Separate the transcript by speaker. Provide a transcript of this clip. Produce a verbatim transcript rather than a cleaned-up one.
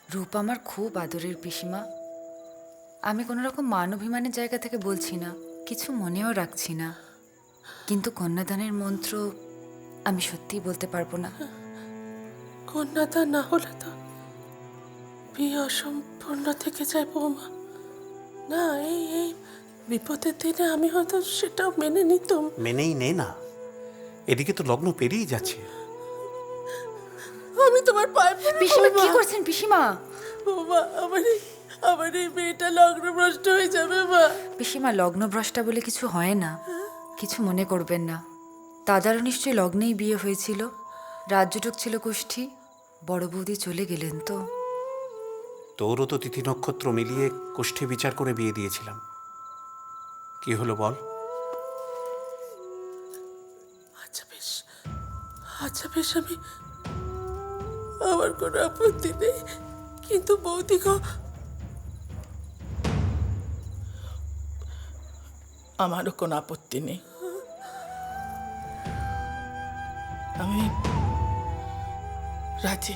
Speaker 1: রূপ আমার খুব আদরের পিসিমা। আমি কোনো রকম মান অভিমানের জায়গা থেকে বলছি না, কিছু মনেও রাখছি না, কিন্তু কন্যাদানের মন্ত্র আমি সত্যিই বলতে পারবো না।
Speaker 2: কন্যাদান না হলে তো বিয়ে অসম্পূর্ণ থেকে যায় বৌমা। না, এই এই বিপদের দিনে আমি হয়তো সেটাও মেনে নিতাম।
Speaker 3: মেনেই নে না, এদিকে তো লগ্ন পেরিয়ে যাচ্ছে।
Speaker 2: আমি তোমার পায়ে পড়ি
Speaker 1: পিসিমা কি
Speaker 2: বৌমা।
Speaker 1: করছেন পিসিমা?
Speaker 2: বৌমা, আমার এই আমার এই মেয়েটা লগ্নভ্রষ্ট হয়ে যাবে মা।
Speaker 1: পিসিমা, লগ্নভ্রষ্টা বলে কিছু হয় না, কিছু মনে করবেন না। দাদারও নিশ্চয়ই লগ্নেই বিয়ে হয়েছিল, রাজ্যটুক ছিল কুষ্ঠী, বড় বৌদি চলে গেলেন তো।
Speaker 3: তোরও তো তিথি নক্ষত্র মিলিয়ে কোষ্ঠী বিচার করে বিয়ে দিয়েছিলাম। কি হলো বল?
Speaker 2: আচ্ছা বেশ, আচ্ছা বেশ, আমি আমার কোনো আপত্তি নেই, কিন্তু বৌদি গো, আমারও কোনো আপত্তি নেই। আমি রাজি।